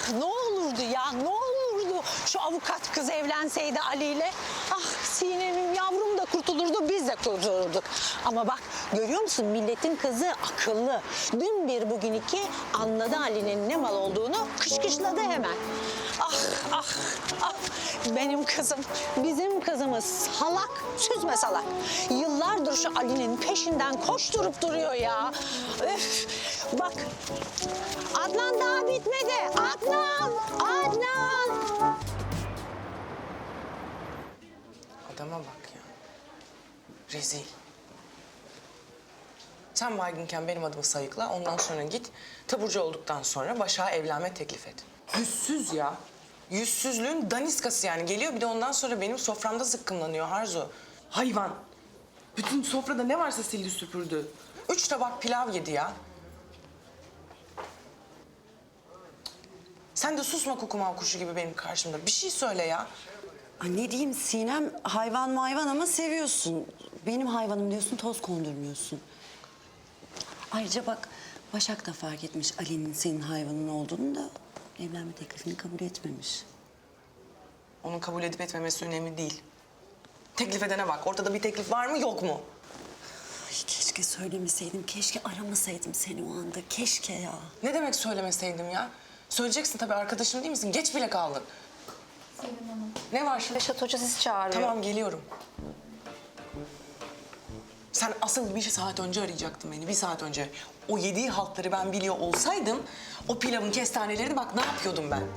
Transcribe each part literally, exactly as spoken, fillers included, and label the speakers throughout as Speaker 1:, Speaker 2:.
Speaker 1: ne olurdu ya, ne olurdu şu avukat kız evlenseydi Ali ile. Ah Sinem'im yavrum da kurtulurdu, biz de kurtulurduk. Ama bak görüyor musun, milletin kızı akıllı. Dün bir bugün iki anladı Ali'nin ne mal olduğunu, kışkışladı hemen. Ah ah ah, benim kızım, bizim kızımız salak, süzme salak. Yıllardır şu Ali'nin peşinden koşturup duruyor ya. Öf, bak Adnan daha bitmedi. Adnan, Adnan.
Speaker 2: Adama bak ya. Rezil. Sen baygınken benim adımı sayıkla, ondan sonra git. Taburcu olduktan sonra Başak'a evlenme teklif et. Yüzsüz ya. Yüzsüzlüğün daniskası yani. Geliyor bir de ondan sonra benim soframda zıkkımlanıyor Arzu. Hayvan. Bütün sofrada ne varsa sildi süpürdü. Üç tabak pilav yedi ya. Sen de susma kukumav kuşu gibi benim karşımda. Bir şey söyle ya.
Speaker 3: Ay ne diyeyim Sinem, hayvan mayvan ama seviyorsun. Benim hayvanım diyorsun, toz kondurmuyorsun. Ayrıca bak, Başak da fark etmiş Ali'nin senin hayvanın olduğunu da evlenme teklifini kabul etmemiş.
Speaker 2: Onun kabul edip etmemesi önemli değil. Teklif edene bak. Ortada bir teklif var mı yok mu?
Speaker 3: Ay keşke söylemeseydim, keşke aramasaydım seni o anda, keşke ya.
Speaker 2: Ne demek söylemeseydim ya? Söyleyeceksin tabii, arkadaşım değil misin? Geç bile kaldın.
Speaker 4: Selim Hanım.
Speaker 2: Ne var şimdi?
Speaker 4: Reşat Hoca sizi çağırıyor.
Speaker 2: Tamam geliyorum. Sen asıl bir saat önce arayacaktın beni, bir saat önce. O yediği haltları ben biliyor olsaydım, o pilavın kestanelerini bak ne yapıyordum ben.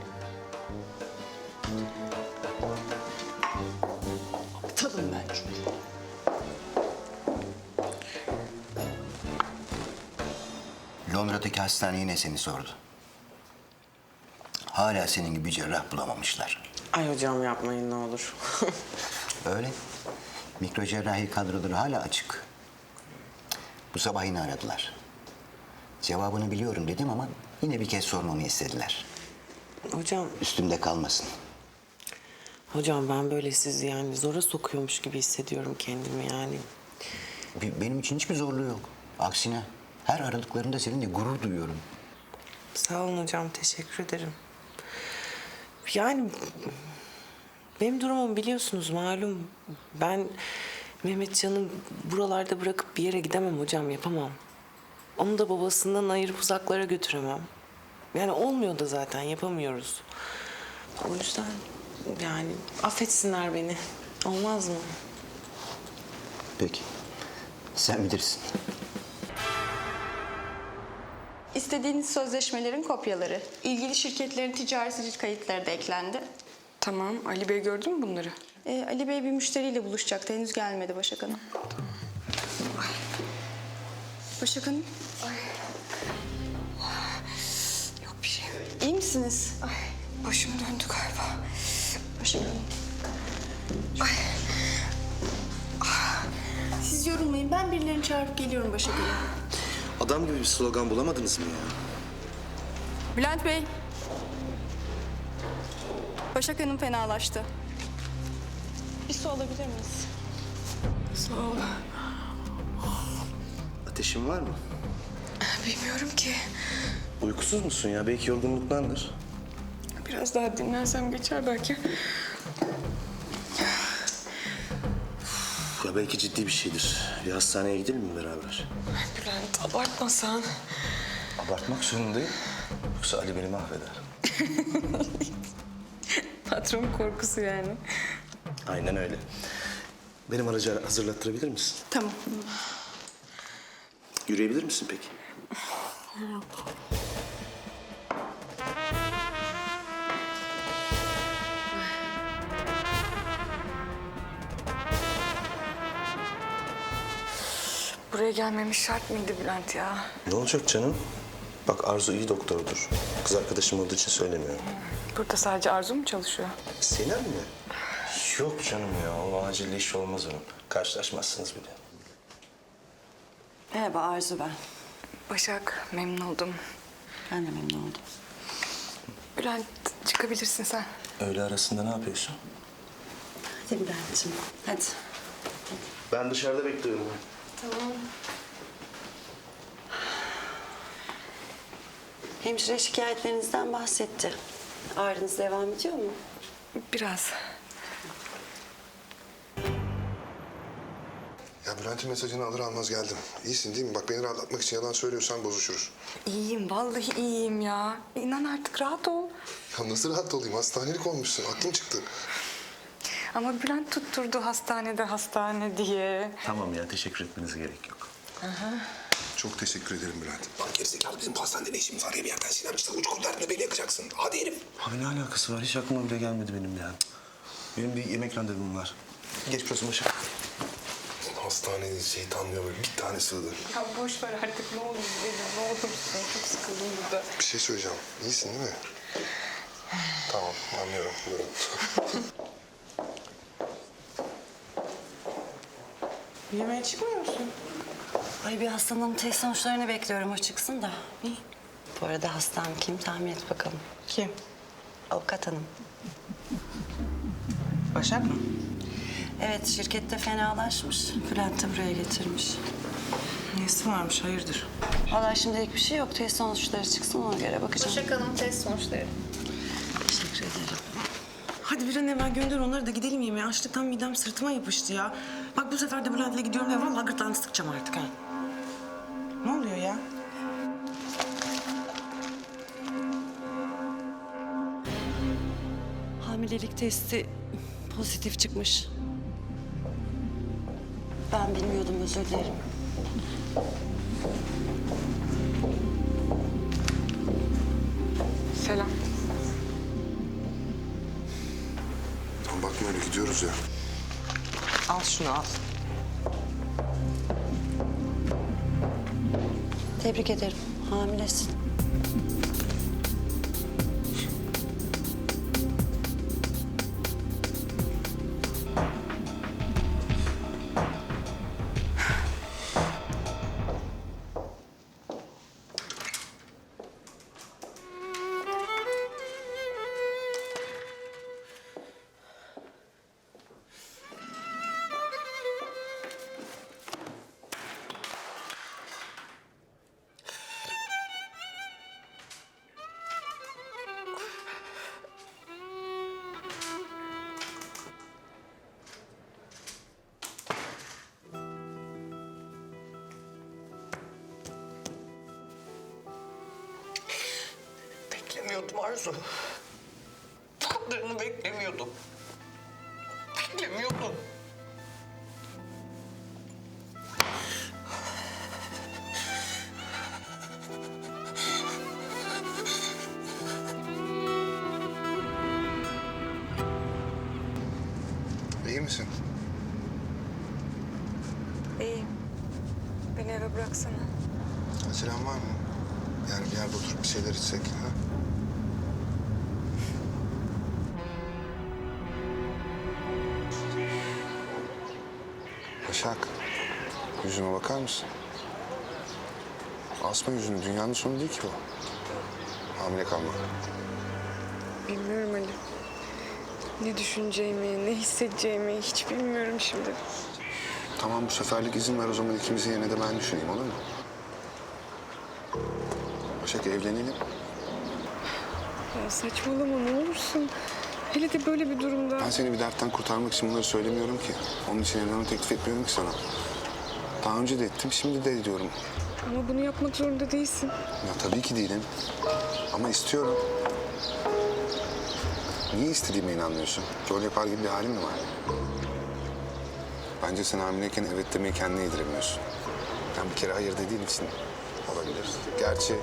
Speaker 2: Aptalım ben çünkü.
Speaker 5: Londra'daki hastane yine seni sordu. Hala senin gibi cerrah bulamamışlar.
Speaker 2: Ay hocam yapmayın ne olur.
Speaker 5: Öyle. Mikrocerrahi kadroları hala açık. Bu sabah yine aradılar. Cevabını biliyorum dedim ama yine bir kez sormamı istediler.
Speaker 2: Hocam,
Speaker 5: Üstümde kalmasın.
Speaker 2: hocam ben böyle sizi yani zora sokuyormuş gibi hissediyorum kendimi yani.
Speaker 5: Be- Benim için hiçbir zorluğu yok. Aksine her aradıklarında seninle gurur duyuyorum.
Speaker 2: Sağ olun hocam, teşekkür ederim. Yani benim durumum biliyorsunuz malum. Ben Mehmetcan'ı buralarda bırakıp bir yere gidemem hocam, yapamam. Onu da babasından ayırıp uzaklara götüremem. Yani olmuyor da zaten, yapamıyoruz. O yüzden yani affetsinler beni. Olmaz mı?
Speaker 5: Peki. Sen bilirsin.
Speaker 6: İstediğiniz sözleşmelerin kopyaları. İlgili şirketlerin ticari sicil kayıtları da eklendi.
Speaker 7: Tamam. Ali Bey gördü mü bunları?
Speaker 6: Ee, Ali Bey bir müşteriyle buluşacaktı. Henüz gelmedi Başak Hanım. Başak Hanım.
Speaker 7: Yok bir şey.
Speaker 6: İyi misiniz?
Speaker 7: Ay, başım döndü galiba.
Speaker 6: Başak Hanım. Siz yorulmayın. Ben birilerini çağırıp geliyorum Başak Hanım.
Speaker 8: Adam gibi bir slogan bulamadınız mı ya?
Speaker 6: Bülent Bey. Başak Hanım fenalaştı. Bir su alabilir miyiz?
Speaker 7: Sağ ol.
Speaker 8: Ateşin var mı?
Speaker 7: Bilmiyorum ki.
Speaker 8: Uykusuz musun ya? Belki yorgunluktandır.
Speaker 7: Biraz daha dinlensem geçer belki.
Speaker 8: Ya belki ciddi bir şeydir. Bir hastaneye gidelim mi beraber?
Speaker 7: Bülent abartmasan.
Speaker 8: Abartmak zorundayım. Yoksa Ali beni mahveder.
Speaker 7: Patron korkusu yani.
Speaker 8: Aynen öyle. Benim aracı hazırlattırabilir misin?
Speaker 6: Tamam.
Speaker 8: Yürüyebilir misin peki?
Speaker 7: Buraya gelmemiş şart mıydı Bülent ya?
Speaker 8: Ne olacak canım? Bak Arzu iyi doktordur. Kız arkadaşım olduğu için söylemiyorum.
Speaker 7: Burada sadece Arzu mu çalışıyor?
Speaker 8: Sinem mi? Yok canım ya. O acil iş olmaz onun. Karşılaşmazsınız bile.
Speaker 3: Merhaba Arzu ben.
Speaker 7: Başak, memnun oldum.
Speaker 3: Ben de memnun oldum.
Speaker 7: Bülent, çıkabilirsin sen.
Speaker 8: Öğle arasında ne yapıyorsun?
Speaker 3: Hadi Bülent'ciğim, hadi.
Speaker 8: Ben dışarıda bekliyorum.
Speaker 3: Hemşire şikayetlerinizden bahsetti. Ağrınız devam ediyor mu?
Speaker 7: Biraz.
Speaker 9: Ya Bülent'in mesajını alır almaz geldim. İyisin değil mi? Bak beni rahatlatmak için yalan söylüyorsan bozuşuruz.
Speaker 7: İyiyim, vallahi iyiyim ya. İnan artık rahat ol.
Speaker 9: Ya nasıl rahat olayım? Hastanelik olmuşsun. Aklım çıktı.
Speaker 7: Ama Bülent tutturdu hastanede hastane diye.
Speaker 8: Tamam ya, teşekkür etmenize gerek yok.
Speaker 9: Çok teşekkür ederim Bülent. Lan gerizekalı bizim bu hastanede ne işimiz var ya bir yerden Sinem işte uç kurlarına beni yakacaksın. Hadi herif.
Speaker 8: Abi ne alakası var? Hiç aklıma bile gelmedi benim ya. Benim bir yemek randevum var. Geçmiş olsun Başak.
Speaker 9: Hastanede şeytanlıyor böyle bir tane sığdı.
Speaker 7: Ya boş ver artık ne olur gidelim, ne olursun. Çok sıkıldım burada.
Speaker 9: Bir şey söyleyeceğim. İyisin değil mi? Tamam anlıyorum. Buyurun.
Speaker 2: Yemeğe çıkmıyor musun?
Speaker 3: Ay bir hastanın test sonuçlarını bekliyorum. O çıksın da. İyi. Bu arada hastam kim tahmin et bakalım.
Speaker 2: Kim?
Speaker 3: Avukat hanım.
Speaker 2: Başak mı?
Speaker 3: Evet şirkette fenalaşmış. Bülent de buraya getirmiş.
Speaker 2: Nesi varmış, hayırdır?
Speaker 3: Vallahi şimdilik bir şey yok. Test sonuçları çıksın ona göre bakacağım.
Speaker 6: Başak Hanım test sonuçları.
Speaker 3: Teşekkür ederim.
Speaker 2: Hadi bir an evvel gönder onları da gidelim yemeğe. Açlıktan midem sırtıma yapıştı ya. Bak bu sefer de Bülent'le gidiyorum ve vallahi gırtlağını sıkacağım artık ha. Ne oluyor ya?
Speaker 3: Hamilelik testi pozitif çıkmış. Ben bilmiyordum, özür dilerim.
Speaker 7: Selam.
Speaker 9: Tamam bakma öyle gidiyoruz ya.
Speaker 2: Al şunu al.
Speaker 3: Tebrik ederim. Hamilesin.
Speaker 5: Beklemiyordum Arzu. Bu kadarını beklemiyordum. Beklemiyordum.
Speaker 9: İyi misin?
Speaker 7: İyiyim. Beni eve bıraksana.
Speaker 9: Acelen var mı? Yani bir yerde oturup bir şeyler içsek. Ha? Başak, yüzüme bakar mısın? Asma yüzünü, dünyanın sonu değil ki bu. Hamile kalmak.
Speaker 7: Bilmiyorum Ali. Ne düşüneceğimi, ne hissedeceğimi hiç bilmiyorum şimdi.
Speaker 9: Tamam bu seferlik izin ver o zaman ikimizin yerine de ben düşüneyim olur mu? Başak evlenelim.
Speaker 7: Ya saçmalama ne olursun. Hele de böyle bir durumda.
Speaker 9: Ben seni bir dertten kurtarmak için bunları söylemiyorum ki. Onun için evlenme teklif etmiyorum ki sana. Daha önce de ettim, şimdi de ediyorum.
Speaker 7: Ama bunu yapmak zorunda değilsin.
Speaker 9: Ya tabii ki değilim. Ama istiyorum. Niye istediğime inanmıyorsun? Rol yapar gibi bir halin mi var? Bence sen hamileyken evet demeyi kendine yediremiyorsun. Yani bir kere hayır dediğin için olabilir. Gerçi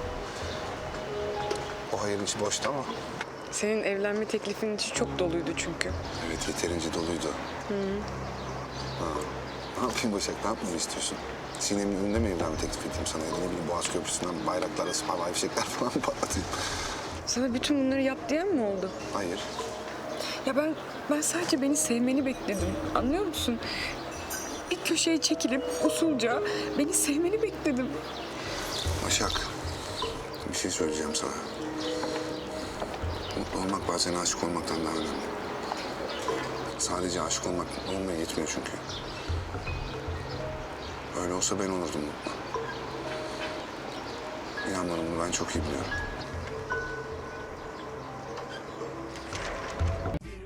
Speaker 9: o hayırın içi boştu ama.
Speaker 7: Senin evlenme teklifin içi çok doluydu çünkü.
Speaker 9: Evet yeterince doluydu. Hı. Ha. Ne yapayım Başak, ne yapmamı istiyorsun? Sinem'in önünde mi evlenme teklif edeyim sana? Ya da ne bileyim Boğaz Köprüsü'nden bayraklarla havai fişekler falan mı patlatayım?
Speaker 7: Sana bütün bunları yap diyen mi oldu?
Speaker 9: Hayır.
Speaker 7: Ya ben ben sadece beni sevmeni bekledim. Anlıyor musun? Bir köşeye çekilip usulca beni sevmeni bekledim.
Speaker 9: Başak, bir şey söyleyeceğim sana. Mutlu olmak bazen aşık olmaktan daha önemli. Sadece aşık olmak mutlu olmaya yetmiyor çünkü. Öyle olsa ben olurdum mutlu. İnan bana bunu ben çok iyi biliyorum.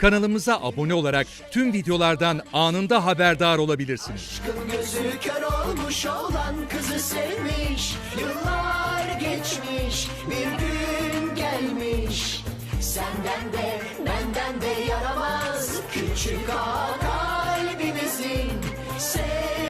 Speaker 10: Kanalımıza abone olarak tüm videolardan anında haberdar olabilirsiniz.
Speaker 11: Gözü kör olmuş olan kızı sevmiş. Yıllar geçmiş, bir gün gelmiş. Senden de benden de yaramaz küçük ağa kalbimizin.